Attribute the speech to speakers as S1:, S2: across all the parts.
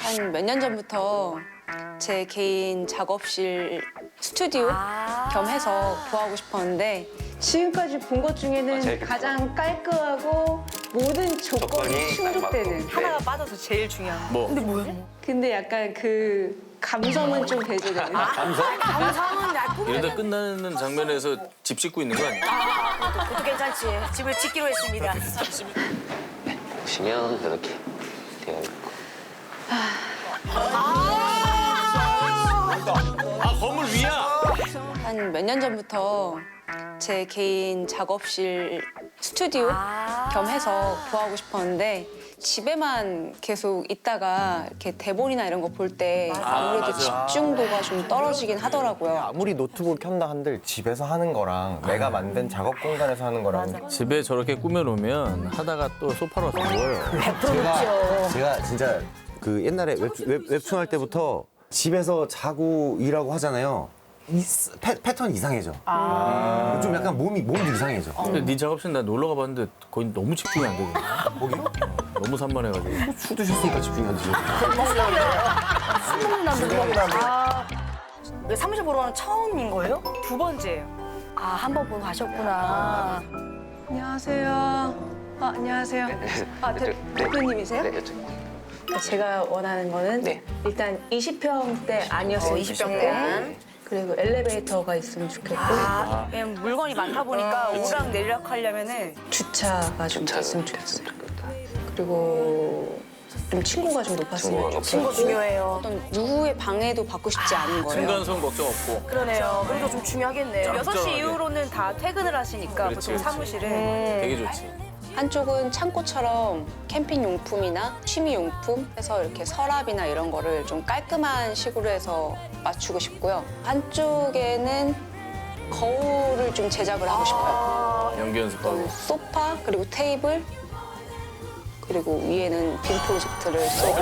S1: 한 몇 년 전부터 제 개인 작업실 스튜디오 겸 해서 구하고 싶었는데 지금까지 본 것 중에는 가장 깔끔하고 모든 조건이 충족되는
S2: 하나가 빠져서 제일 중요한 거.
S3: 뭐?
S2: 근데 뭐야?
S1: 근데 약간 그 감성은 좀 배제되는
S2: 감성은 나쁘게.
S3: 이러다 끝나는 장면에서 집 짓고 있는 거 아니야?
S2: 그것도 괜찮지. 집을 짓기로 했습니다.
S4: 보시면 이렇게 되어 있고.
S3: 아 건물 위야?
S1: 한 몇 년 전부터 제 개인 작업실 스튜디오 겸 해서 구하고 싶었는데 집에만 계속 있다가 이렇게 대본이나 이런 거 볼 때 아무래도
S3: 맞아.
S1: 집중도가 좀 떨어지긴 하더라고요.
S5: 아무리 노트북 켠다 한들 집에서 하는 거랑 내가 만든 작업 공간에서 하는 거랑
S3: 집에 저렇게 꾸며놓으면 하다가 또 소파로 와서 누워요.
S5: 제가 진짜 그 옛날에 웹툰 할 때부터 집에서 자고 일하고 하잖아요. 패턴이 이상해져. 좀 약간 몸도 이상해져.
S3: 근데 네 작업실 나 놀러 가봤는데 거의 너무 집중이 안 되거든.
S5: 거기요?
S3: 너무 산만해가지고.
S5: 술 드셨으니까 집중이 안 되죠.
S2: 술 먹는 남자. 아, 사무실 보러 가는 처음인 거예요? 두 번째예요. 아, 한 번 보고 가셨구나.
S1: 안녕하세요. 안녕하세요. 대표님이세요?
S4: 네, 이쪽.
S1: 제가 원하는 거는
S4: 네.
S1: 일단 20평대 아니었으면
S2: 20평대.
S1: 그리고 엘리베이터가 있으면 좋겠고
S2: 아, 왜냐면 물건이 많다 보니까 오락 내리락 하려면은
S1: 주차가 좀
S4: 주차를
S1: 됐으면 좋겠어요.
S4: 좋겠다.
S1: 그리고 좀 친구가 좀 높았으면
S4: 친구가
S1: 좋겠고
S2: 친구 중요해요.
S1: 어떤 누구의 방해도 받고 싶지 않은 거예요.
S3: 층간소음 걱정 없고.
S2: 그러네요. 그래도 좀 중요하겠네요.
S3: 짭짤하게.
S2: 6시 이후로는 다 퇴근을 하시니까
S3: 그렇지,
S2: 보통
S3: 그렇지.
S2: 사무실은.
S3: 되게 좋지.
S1: 한쪽은 창고처럼 캠핑 용품이나 취미 용품 해서 이렇게 서랍이나 이런 거를 좀 깔끔한 식으로 해서 맞추고 싶고요. 한쪽에는 거울을 좀 제작을 하고 싶어요.
S3: 연기 연습하고.
S1: 소파 그리고 테이블 그리고 위에는 빔 프로젝트를 쏘고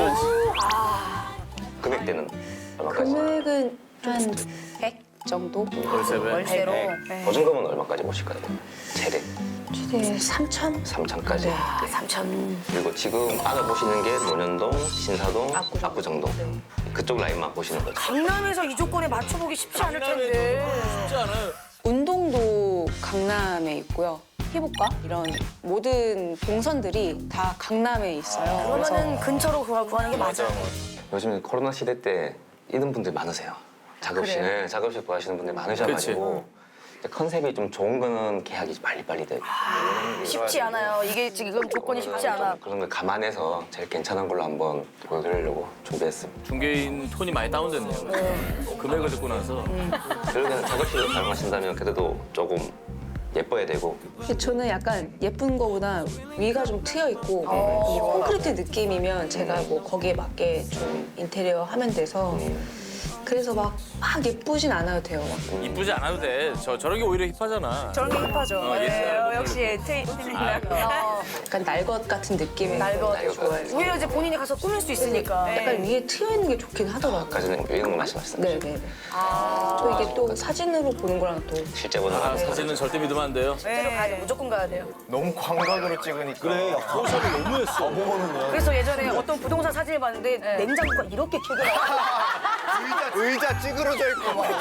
S4: 금액대는 얼마까지?
S1: 금액은 한 100 정도?
S3: 월세배.
S2: 월세로.
S4: 네. 보증금은 얼마까지 보실까요? 최대
S1: 최대 3천?
S4: 3천까지.
S1: 네.
S2: 3천.
S4: 그리고 지금 알아보시는 게 논현동, 신사동,
S1: 압구정.
S4: 압구정동. 그쪽 라인만 보시는 거죠.
S2: 강남에서 이 조건에 맞춰보기 쉽지 않을 텐데.
S3: 쉽지 않아요.
S1: 운동도 강남에 있고요. 피부과 이런 모든 동선들이 다 강남에 있어요.
S2: 그러면은 근처로 구하는 게 맞아요.
S4: 요즘 코로나 시대 때 이런 분들 많으세요. 작업실, 작업실 구하시는 분들 많으셔가지고 컨셉이 좀 좋은 거는 계약이 빨리빨리 되고
S2: 쉽지 않아요. 이게 지금 조건이 쉽지 않아.
S4: 그런 걸 감안해서 제일 괜찮은 걸로 한번 보여드리려고 준비했습니다.
S3: 중개인 톤이 많이 다운됐네요. 금액을 듣고 나서.
S4: 그러면 작업실을 사용하신다면 그래도 조금 예뻐야 되고
S1: 저는 약간 예쁜 거보다 위가 좀 트여 있고 콘크리트 느낌이면 제가 뭐 거기에 맞게 좀 인테리어 하면 돼서 그래서 막 예쁘진 않아도 돼요. 막.
S3: 이쁘지 않아도 돼. 저런 게 오히려 힙하잖아.
S2: 저런 게 힙하죠.
S3: 옛날
S2: 역시 트윈이나.
S1: 약간 날것 같은 느낌의
S2: 날것.
S1: 거 좋아해요.
S2: 오히려 이제 본인이 가서 꾸밀 수 있으니까.
S1: 약간 위에 트여 있는 게 좋긴 하더라고요.
S4: 아까는 이런 거 말씀하셨어요.
S1: 네네. 또 이게 또 사진으로 보는 거랑 또
S4: 실제 보는 거는
S3: 사진은 절대 믿으면 안 돼요.
S2: 실제로 가야 돼. 무조건 가야 돼요.
S5: 너무 광각으로 찍으니까. 그래.
S3: 포샵이 너무했어.
S2: 그래서 예전에 어떤 부동산 사진을 봤는데 냉장고가 이렇게 크게 나와.
S5: 의자 찌그러져 있고 막.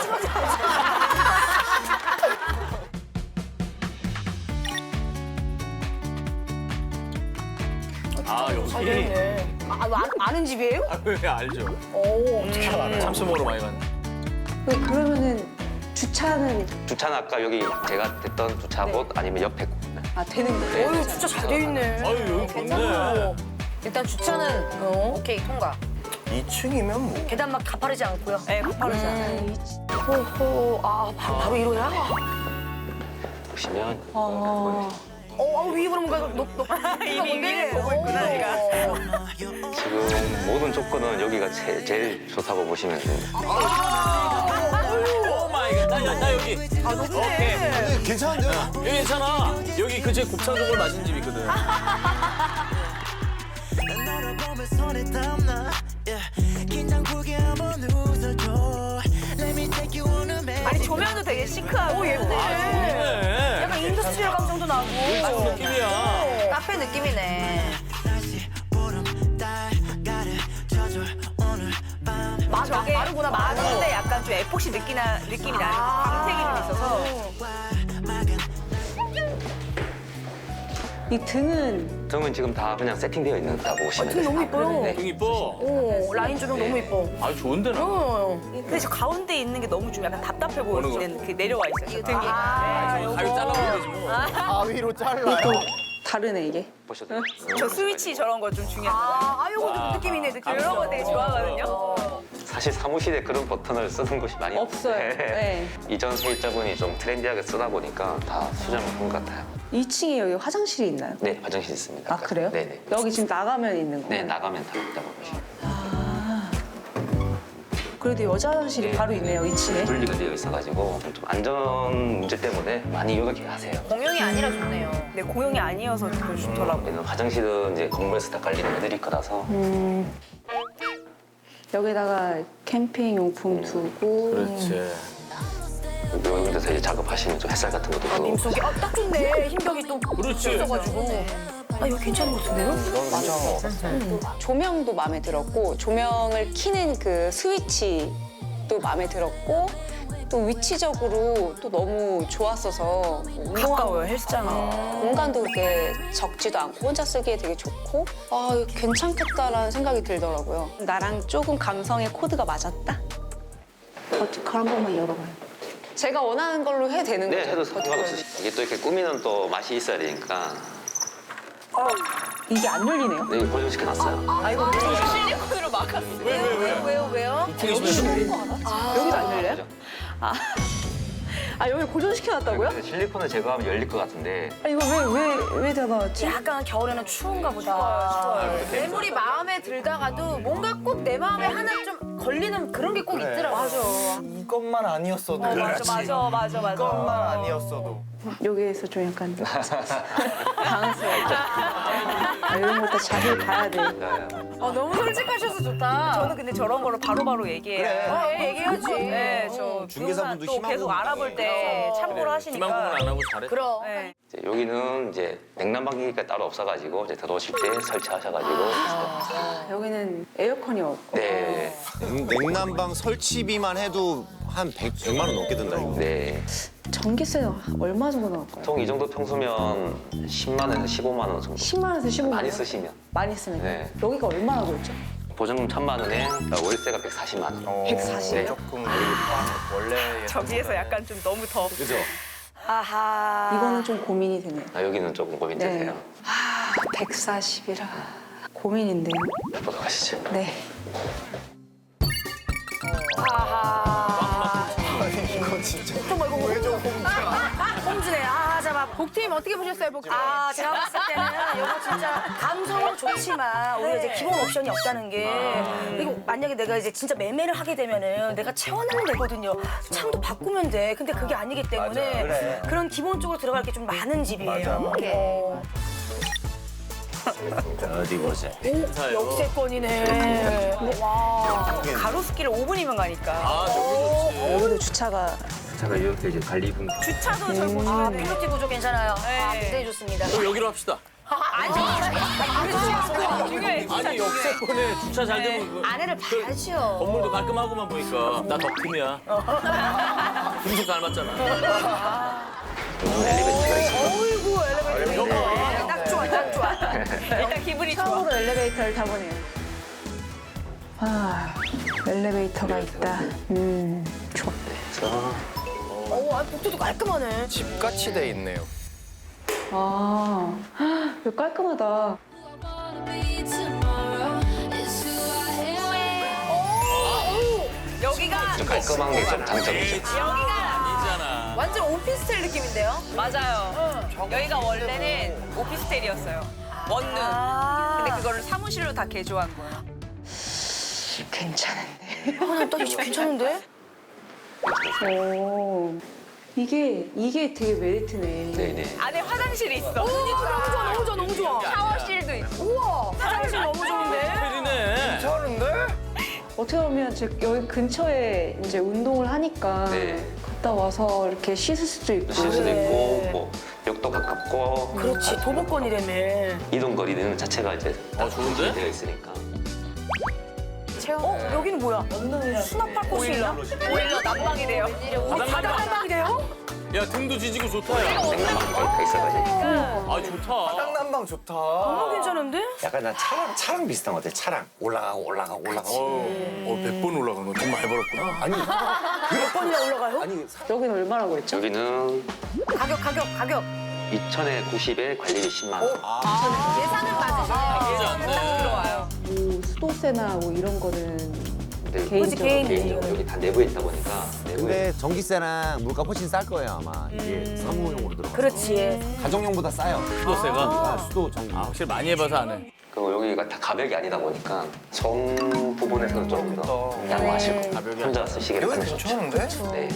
S3: 아 여기.
S2: 아는 집이에요?
S3: 왜 알죠?
S2: 오, 어떻게 알아요?
S3: 참치 먹으러 많이 갔네.
S1: 그러면은 주차는
S4: 주차는 아까 여기 제가 됐던 주차곳 아니면 옆에 곳.
S1: 되는 거예요?
S2: 어유 진짜 잘 돼 있네.
S3: 아유 여기 좋네.
S2: 일단 주차는 오케이 통과.
S5: 2층이면 뭐.
S2: 계단 막 가파르지 않고요. 네, 가파르지 않아요. 호호, 바로 이로야?
S4: 보시면
S2: 위에 그럼 뭔가 이미 보고 있구나, 내가.
S4: 지금 모든 조건은 여기가 제일 좋다고 보시면 됩니다.
S3: 오 마이 갓. 나 여기.
S2: 높네.
S5: 괜찮은데요?
S3: 여기 괜찮아. 여기 그제 곱창전골 맛있는 집 있거든.
S6: 너를 보면 손에 땀나 긴장풀게 한번 웃어줘 Let me take you on a man
S2: 아니, 조명도 되게 시크하고. 오, 예쁘네.
S3: 좋네.
S2: 약간 인더스트리얼 감성도 나고.
S3: 무슨 느낌이야.
S2: 카페 느낌이네.
S6: 다시 보름 달 가르쳐줄
S2: 저게 마르구나, 마른데 약간 좀 에폭시 느낌이 나는 광택이 좀 있어서.
S1: 이 등은
S4: 등은 지금 다 그냥 세팅되어 있는다고 보시면 돼요.
S2: 너무 이뻐요.
S4: 네.
S3: 등 이뻐.
S2: 오, 라인 조명 너무 이뻐.
S3: 아 좋은데 나.
S2: 근데 저 가운데 있는 게 너무 좀 약간 답답해 보이는 그 내려와 있어요. 등이.
S3: 가위 잘라보면 되지 뭐.
S7: 가위로 잘라요.
S1: 다르네 이게.
S4: 보셔도 돼요.
S2: 저 스위치 저런 거 좀 중요합니다. 요거 느낌이네, 느낌. 이런 거 되게 좋아하거든요.
S4: 사실 사무실에 그런 버튼을 쓰는 곳이 많이
S1: 없어요.
S4: 없는데
S1: 네.
S4: 이전 세입자분이 좀 트렌디하게 쓰다 보니까 다 수정을 한 것 같아요.
S1: 2층에 여기 화장실이 있나요?
S4: 네, 화장실 있습니다.
S1: 아 그래요?
S4: 네네.
S1: 여기 지금 나가면 있는 거예요?
S4: 네, 나가면 다 있다고 보시면 돼요.
S1: 그래도 여자 화장실이
S4: 네.
S1: 바로 있네요 2층에.
S4: 분리가 되어 있어가지고 좀 안전 문제 때문에 많이 이렇게 하세요.
S2: 공용이 아니라 좋네요. 네, 공용이 아니어서 그걸 좋더라고요.
S4: 여기는 화장실은 이제 건물에서 다 관리는 애들이 거라서
S1: 여기다가 캠핑 용품 두고.
S3: 그렇지.
S4: 이런 데서 이제 작업하시면 좀 햇살 같은 것도 들어오고
S2: 속이 딱 좋네. 힘벽이 또
S3: 그렇지.
S2: 있어가지고. 이거 괜찮은 것 같은데요?
S1: 조명도 마음에 들었고 조명을 켜는 그 스위치도 마음에 들었고 또 위치적으로 또 너무 좋았어서
S2: 가까워요, 헬스장이.
S1: 공간도 그렇게 적지도 않고 혼자 쓰기에 되게 좋고 아 이거 괜찮겠다라는 생각이 들더라고요. 나랑 조금 감성의 코드가 맞았다? 버티컬 한 번만 열어봐요. 제가 원하는 걸로 해도 되는
S4: 네,
S1: 거죠?
S4: 해도 상관없으시죠. 이게 또 이렇게 꾸미는 또 맛이 있어야 되니까
S1: 이게 안 열리네요?
S4: 네, 고정시켜놨어요.
S2: 실리콘으로 막았어. 왜요?
S1: 여기도 안 열려요? 아 여기 고정시켜놨다고요?
S4: 근데 실리콘을 제거하면 열릴 것 같은데
S1: 아 이거 왜 닫아놨지?
S2: 약간 겨울에는 추운가 보다. 매물이 마음에 들다가도 뭔가 꼭 내 마음에 하나 좀 걸리는 그런 게 꼭 있더라고요. 맞아.
S7: 이것만 아니었어도.
S2: 맞아.
S7: 이것만 아니었어도.
S1: 여기에서 좀 약간 당황스러워. 이런 것도 자세히 봐야 돼.
S2: 너무 솔직하셔서 좋다. 저는 근데 저런 거를 바로바로 얘기해요. 얘기해야지. 네, 저
S5: 중개사분도
S2: 또
S5: 희망
S2: 계속
S5: 고문.
S2: 알아볼 때 참고를 하시니까.
S3: 희망 고문 안 하고 잘해.
S2: 그럼.
S4: 이제 여기는 이제 냉난방기가 따로 없어가지고 이제 들어오실 때 설치하셔가지고
S1: 여기는 에어컨이 없고.
S4: 네,
S5: 냉난방 설치비만 해도 한 100만 원 넘게 든다 이거.
S4: 네.
S1: 전기세 얼마 정도 나올까요?
S4: 보통 이 정도 평소면 10만 원에서 15만 원 정도
S1: 10만 원에서 15만 원?
S4: 많이 쓰시면
S1: 많이 쓰면
S4: 네.
S1: 여기가 얼마나 들었죠?
S4: 보증금 1,000만 원에 월세가 140만 원.
S1: 140.
S4: 네.
S7: 조금 원래
S2: 저기에서 약간 좀 너무 더.
S5: 그죠?
S2: 아하.
S1: 이거는 좀 고민이 되네요.
S4: 여기는 조금 고민되세요.
S1: 140이라 고민인데요.
S4: 보도록 하시죠.
S1: 네.
S2: 아하.
S7: 이거 진짜.
S2: 좀 이거 홈즈네. 잠깐 복팀 어떻게 보셨어요, 복팀? 제가 봤을 때는 이거 진짜 감성은 좋지만 우리가 이제 기본 옵션이 없다는 게 그리고 만약에 내가 이제 진짜 매매를 하게 되면은 내가 채워내면 되거든요. 창도 바꾸면 돼. 근데 그게 아니기 때문에
S7: 그래.
S2: 그런 기본적으로 들어갈 게 좀 많은 집이에요.
S5: 어디 보자.
S2: 역세권이네. 와. 가로수길을 5분이면 가니까.
S3: 아 저기 좋지.
S1: 여기도 주차가
S4: 제가 이렇게 이제 관리분
S2: 주차도 저 보시면 필로티 구조 괜찮아요. 굉장히 좋습니다.
S3: 그럼 여기로 합시다.
S2: 중요해.
S3: 아니 역세권에 주차 잘 되면 그
S2: 아내를 봐야죠.
S3: 건물도 깔끔하고만 보니까 나 덕분이야. 금속 닮았잖아.
S4: 엘리베이터가 있어요.
S2: 어이구 엘리베이터. 딱 좋아, 딱 좋아. 일단 기분이 좋아.
S1: 처음으로 엘리베이터를 타보네요. 엘리베이터가 있다. 좋아.
S2: 복도도 깔끔하네.
S7: 집같이 돼 있네요.
S1: 이거 깔끔하다.
S2: 여기가
S4: 좀 깔끔한 게 좀 장점이죠.
S3: 아니잖아.
S2: 완전 오피스텔 느낌인데요? 맞아요. 여기가 원래는 오피스텔이었어요. 원룸. 근데 그거를 사무실로 다 개조한 거예요.
S1: 괜찮은데.
S2: 나 이거 괜찮은데?
S1: 오. 이게 되게 메리트네.
S4: 네네.
S2: 안에 화장실이 있어. 너무 좋아, 너무 좋아, 너무 좋아. 샤워실도 있고. 우와, 화장실 너무 좋은데?
S3: 텔이네.
S7: 괜찮은데?
S1: 어떻게 보면 여기 근처에 이제 운동을 하니까
S4: 네.
S1: 갔다 와서 이렇게 씻을 수도 있고.
S4: 쉴 수도 있고 뭐 역도 가깝고
S2: 그렇지, 도보권이라며.
S4: 이동 거리는 자체가 이제
S3: 좋은데?
S4: 되어 있으니까.
S2: 어? 여기는 뭐야? 수납할 곳이 있나?
S8: 오히려 난방이래요.
S2: 바닥 한방이래요?
S3: 야 등도 지지고 좋다 야.
S4: 생각만 다 있어가지고.
S3: 아 좋다.
S7: 땅난방 좋다.
S2: 너무 괜찮은데?
S5: 약간 난 차랑 비슷한 것 같아. 차랑 올라가고 올라가고 올라가고.
S3: 100번 올라간 거 돈 많이 벌었구나.
S5: 아니
S2: 몇 번이나 올라가요?
S5: 아니
S1: 여기는 얼마라고 했죠?
S4: 여기는
S2: 가격.
S4: 2,000에 90에 관리비 10만 원.
S8: 예산은 맞으셔요.
S3: 나쁘지 않네.
S8: 들어와요.
S1: 뭐 수도세나 뭐 이런 거는
S4: 네,
S1: 개인적으로.
S2: 개인적으로.
S4: 여기 다 내부에 있다 보니까 내부에
S5: 근데 전기세랑 물가 훨씬 쌀 거예요 아마. 이게 사무용으로 들어가.
S2: 그렇지.
S5: 가정용보다 싸요.
S3: 수도세가.
S5: 아, 수도 전기.
S3: 아 확실히 많이 해봐서 아네.
S4: 그리고 여기가 다 가벽이 아니다 보니까 정 부분에서는 조금 더 양호하실 거예요.
S3: 가벽이
S4: 혼자 쓰시기를
S7: 여기
S4: 하는 거죠.
S7: 괜찮은데?
S4: 네.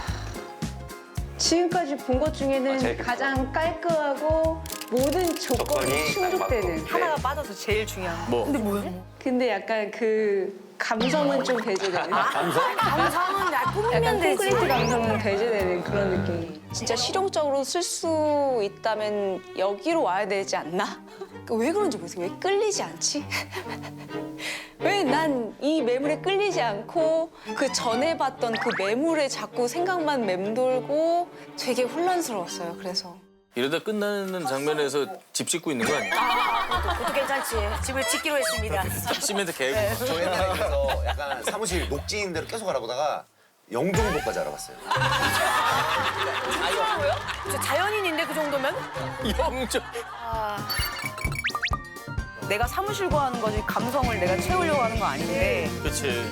S1: 지금까지 본 것 중에는
S4: 제일
S1: 가장 깔끔하고 모든 조건이
S4: 조건이
S1: 충족되는.
S4: 네.
S8: 하나가 빠져서 제일 중요한 거.
S3: 뭐.
S2: 근데 뭐야?
S1: 근데 약간 그 감성은 좀 배제되는.
S2: 감성은 나 꾸미면
S1: 약간
S2: 되지.
S1: 콘크리트 감성은 배제되는 그런 느낌. 진짜 실용적으로 쓸 수 있다면 여기로 와야 되지 않나? 왜 그런지 모르겠어요. 왜 끌리지 않지? 왜 난 이 매물에 끌리지 않고 그 전에 봤던 그 매물에 자꾸 생각만 맴돌고 되게 혼란스러웠어요. 그래서.
S3: 이러다 끝나는 장면에서 집 짓고 있는 거 아니야?
S2: 그것도 괜찮지. 집을 짓기로 했습니다.
S3: 시멘트 개고.
S5: 저 옛날에 그래서 약간 사무실 녹지인 대로 계속 알아보다가 영종도까지 알아봤어요.
S2: 저 자연인인데 그 정도면?
S3: 영조.
S8: 내가 사무실 구하는 거지 감성을 내가 채우려고 하는 거 아닌데.
S3: 그렇지.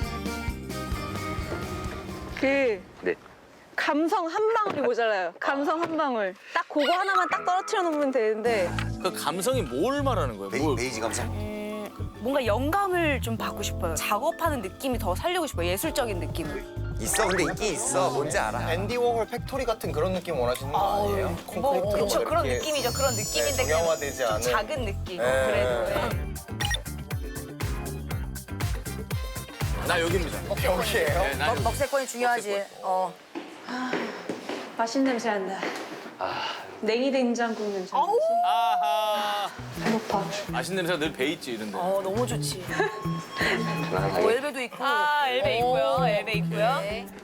S1: 그
S4: 네.
S1: 감성 한 방울이 모자라요. 감성 한 방울. 딱 그거 하나만 딱 떨어뜨려 놓으면 되는데
S3: 그 감성이 뭘 말하는 거야? 뭘?
S5: 베이지 감성.
S8: 뭔가 영감을 좀 받고 싶어요. 작업하는 느낌이 더 살리고 싶어요. 예술적인 느낌을.
S5: 있어 근데 있긴 있어. 뭔지 알아.
S7: 앤디 워홀 팩토리 같은 그런 느낌 원하시는 거 아니에요? 콘크리트로
S8: 그렇죠.
S7: 뭐
S8: 그런
S7: 이렇게
S8: 느낌이죠. 그런 느낌인데
S7: 네,
S8: 그냥
S7: 정형화되지
S8: 좀
S7: 않은.
S8: 작은 느낌.
S7: 네.
S8: 그래도. 네.
S3: 나 여기입니다.
S7: 여기예요?
S3: 네, 나 여기.
S2: 먹세권이 중요하지.
S1: 맛있는 냄새 난다. 냉이 된장국 냄새.
S3: 아하.
S1: 배고파.
S3: 맛있는 냄새가 늘 배 있지 이런데.
S2: 너무 좋지.
S4: 편안하게.
S2: 엘베도 있고.
S8: 아, 엘베 있고요. 엘베 있고요.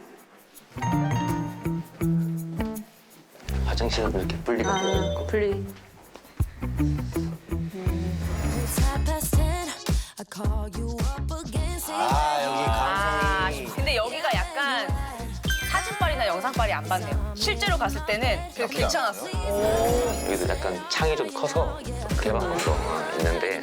S4: 화장실은 이렇게 분리가 되어 있고.
S1: 분리.
S5: 아 여기 감성이.
S8: 근데 여기가 약간 사진빨이나 영상빨이 안 받네요. 실제로 갔을 때는 그래도 괜찮았어.
S4: 여기도 약간 창이 좀 커서 개방감도 있는데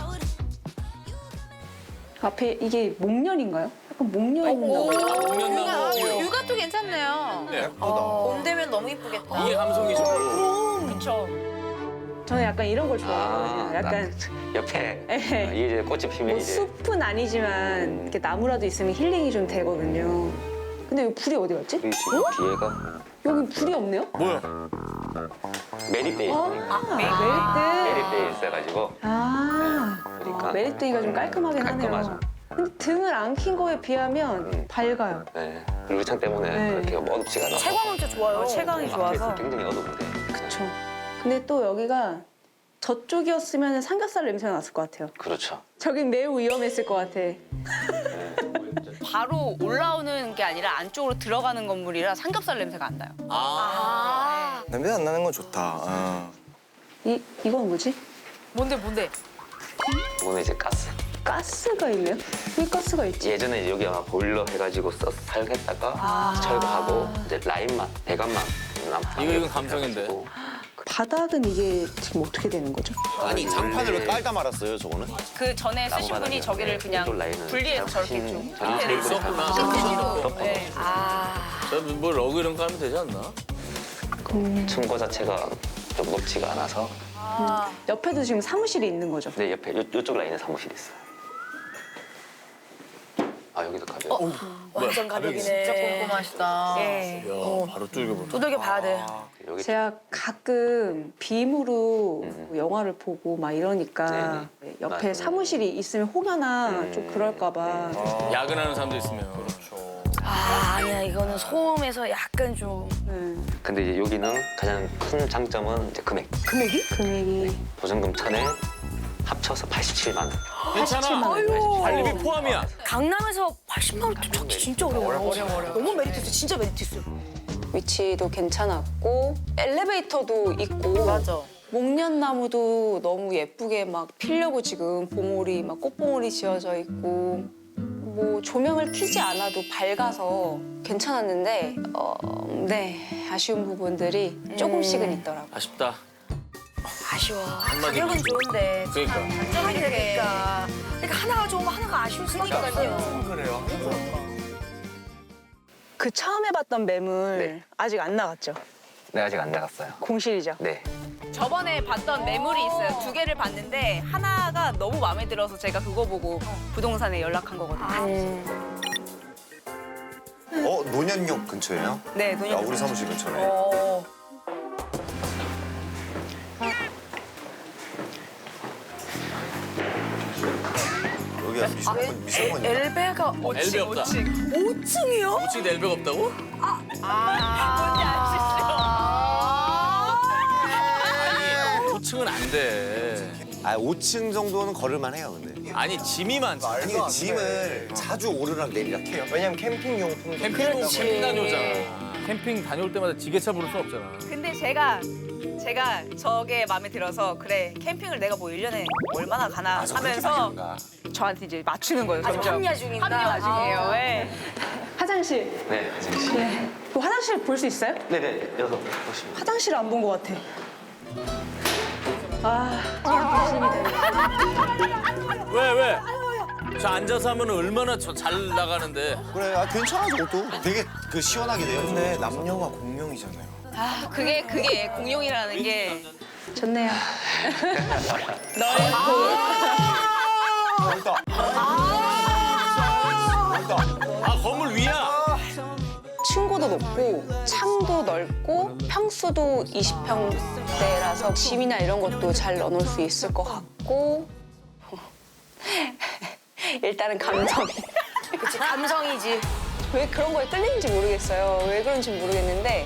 S1: 앞에 이게 목련인가요? 약간 목련 있는 거.
S3: 목련나무.
S8: 육아도 괜찮네요.
S3: 네.
S8: 봄 되면 너무 이쁘겠다.
S3: 이게 감성이죠.
S8: 그렇죠.
S1: 저는 약간 이런 걸 좋아해요. 약간
S4: 옆에
S1: 에.
S4: 이게 이제 꽃이 피면
S1: 뭐
S4: 이제
S1: 숲은 아니지만 이렇게 나무라도 있으면 힐링이 좀 되거든요. 근데 여기 불이 어디 갔지?
S4: 우리 지금 뒤에가
S1: 여기 불이 없네요?
S3: 뭐야?
S4: 메리데이 메리데이 있어가지고 그러니까
S1: 메리트이가 좀 깔끔하긴 하네요.
S4: 깔끔하죠.
S1: 근데 등을 안 킨 거에 비하면 밝아요.
S4: 네. 루창 때문에
S1: 네.
S4: 그렇게 어둡지가 않아서
S2: 채광은 진짜 좋아요. 채광이 좋아서.
S4: 굉장히 어두운데
S1: 그쵸. 근데 또 여기가 저쪽이었으면 삼겹살 냄새가 났을 것 같아요.
S4: 그렇죠.
S1: 저긴 매우 위험했을 것 같아.
S8: 바로 올라오는 게 아니라 안쪽으로 들어가는 건물이라 삼겹살 냄새가 안 나요.
S7: 냄새 안 나는 건 좋다.
S1: 이건 뭐지?
S8: 뭔데?
S4: 이거는 이제 가스.
S1: 가스가 있네요? 왜 가스가 있지?
S4: 예전에 이제 여기 아마 보일러 해가지고 사용했다가 철거하고 이제 라인만 배관만
S3: 이건 감성인데.
S1: 바닥은 이게 지금 어떻게 되는 거죠?
S5: 아니 장판을 왜 깔다 말았어요 저거는?
S8: 그 전에 쓰신 분이 저기를 그냥 분리해서 저렇게 좀
S4: 테이블
S3: 썼구나.
S8: 네.
S3: 뭐 러그 이런 거 하면 되지 않나?
S4: 층고 자체가 좀 높지가 않아서
S1: 옆에도 지금 사무실이 있는 거죠?
S4: 네 옆에 이쪽 라인에 사무실이 있어요. 아 여기도 가벼워.
S2: 완전 가격이네.
S8: 진짜 꼼꼼하시다.
S2: 예.
S3: 야, 바로 뚫겨보네.
S2: 두들겨 봐야 돼.
S4: 여기
S1: 제가 가끔 빔으로 영화를 보고 막 이러니까 옆에
S4: 맞아요.
S1: 사무실이 있으면 혹여나 좀 그럴까 봐.
S3: 야근하는 사람도 있으면.
S2: 아니야 이거는 소음에서 약간 좀.
S4: 근데 이제 여기는 가장 큰 장점은 이제 금액.
S1: 금액이? 금액이.
S4: 보증금 1,000에 합쳐서 87만 원.
S3: 괜찮아. 관리비 포함이야.
S2: 강남에서 80만 원 찾기 진짜 어려워요. 너무 메리트스, 진짜 메리트스.
S1: 위치도 괜찮았고 엘리베이터도 있고
S2: 맞아.
S1: 목련나무도 너무 예쁘게 막 피려고 지금 봉오리 막 꽃봉오리 지어져 있고 뭐 조명을 켜지 않아도 밝아서 괜찮았는데 네 아쉬운 부분들이 조금씩은 있더라고요.
S3: 아쉽다.
S2: 아쉬워.
S3: 한마디
S2: 가격은
S3: 그지.
S2: 좋은데
S3: 그러니까.
S2: 장점이 되니까. 그러니까 하나가 좋으면 하나가 아쉬울 수밖에 없어요.
S7: 그래요.
S9: 그 처음 해봤던 매물
S4: 네.
S9: 아직 안 나갔죠?
S4: 네, 아직 안 나갔어요.
S9: 공실이죠?
S4: 네.
S8: 저번에 봤던 매물이 있어요. 2개를 봤는데 하나가 너무 마음에 들어서 제가 그거 보고 부동산에 연락한 거거든요.
S5: 노년역 근처예요?
S8: 네, 돈이
S5: 우리 사무실 근처네. 여기가 미술관이야.
S2: 엘베가
S3: 엘베 없다.
S2: 5층이요?
S3: 5층에 엘베가 없다고? 아니 5층은 안 돼.
S5: 5층 정도는 걸을만 해요, 근데.
S3: 아니 짐이 많지.
S5: 아니, 짐을 자주 오르락 내리락 해요.
S7: 왜냐면 캠핑용품.
S3: 캠핑 다녀오잖아. 캠핑 다녀올 때마다 지게차 부를 수 없잖아.
S8: 근데 제가 저게 마음에 들어서 그래 캠핑을 내가 뭐 1년에 얼마나 가나 하면서 저한테 이제 맞추는 거예요.
S2: 아직
S8: 점점.
S2: 합리화 중인가?
S8: 합리화 중이에요. 네.
S9: 화장실.
S4: 네, 화장실.
S9: 네. 그 화장실 볼 수 있어요?
S4: 네네, 여섯 보시면.
S9: 화장실 안 본 것 같아.
S3: 왜? 저 앉아서 하면 얼마나 잘 나가는데.
S5: 그래, 괜찮아, 저것도. 되게 시원하게 돼요.
S7: 근데 남녀가 공용이잖아요.
S8: 아 그게 공용이라는 게
S9: 좋네요.
S3: 아 건물 위야.
S1: 층고도 높고 창도 넓고 평수도 20평대라서 짐이나 이런 것도 잘 넣어놓을 수 있을 것 같고 일단은 감성이
S2: 그치, 감성이지.
S1: 왜 그런 거에 끌리는지 모르겠어요. 왜 그런지 모르겠는데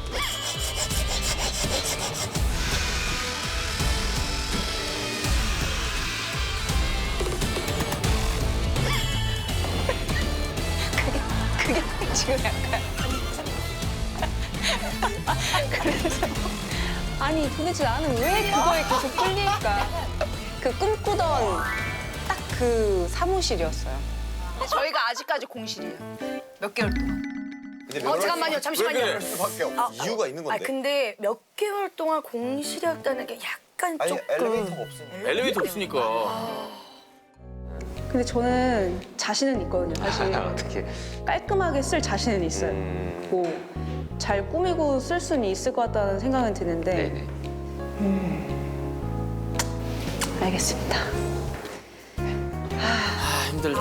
S1: 그게 지금 약간 그래서 아니 도대체 나는 왜 그거에 계속 끌릴까? 그 꿈꾸던 딱 그 사무실이었어요.
S8: 근데 저희가 아직까지 공실이에요. 몇 개월 동안.
S2: 잠깐만요, 잠시만요.
S3: 왜 그래?
S7: 수밖에 없어.
S5: 이유가 있는 건데.
S2: 근데 몇 개월 동안 공실이었다는 게 약간
S7: 아니
S2: 조금.
S7: 엘리베이터가 없으니까.
S3: 엘리베이터 없으니까.
S9: 근데 저는 자신은 있거든요, 사실.
S4: 어떻게?
S9: 깔끔하게 쓸 자신은 있어요. 뭐 잘 꾸미고 쓸 수는 있을 것 같다는 생각은 드는데
S4: 네네.
S9: 알겠습니다.
S3: 아 힘들다.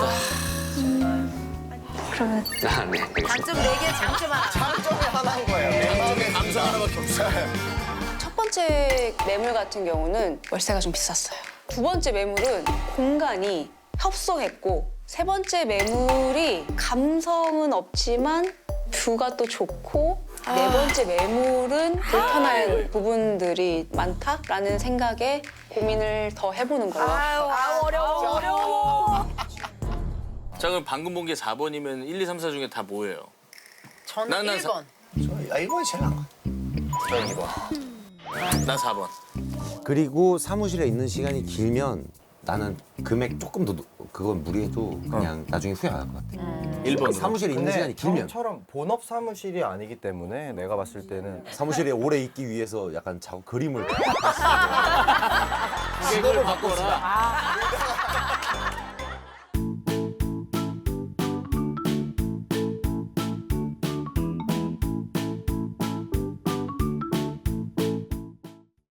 S9: 그러면
S4: 아, 네. 알겠습니다.
S2: 단점 4개, 장점 하나.
S7: 장점이 하나인 거예요.
S3: 감성 하나밖에 없어.
S1: 첫 번째 매물 같은 경우는 월세가 좀 비쌌어요. 두 번째 매물은 공간이 협소했고 세 번째 매물이 감성은 없지만 뷰가 또 좋고 네 번째 매물은 불편할 부분들이 많다라는 생각에 고민을 더 해보는 걸로.
S2: 아유, 어려워.
S3: 자 그럼 방금 본 게 4번이면 1, 2, 3, 4 중에 다 뭐예요?
S8: 저는
S3: 난
S8: 1번.
S5: 이번이 제일 나은 거.
S7: 저 2번.
S3: 나 4번.
S5: 그리고 사무실에 있는 시간이 길면 나는 금액 조금 더 그건 무리해도 그냥 나중에 후회 안 할 것 같아.
S3: 1번.
S5: 사무실에 있는 시간이 길면
S10: 형처럼 본업 사무실이 아니기 때문에 내가 봤을 때는
S5: 사무실에 오래 있기 위해서 약간 그림을
S3: 직업을 바꿔라.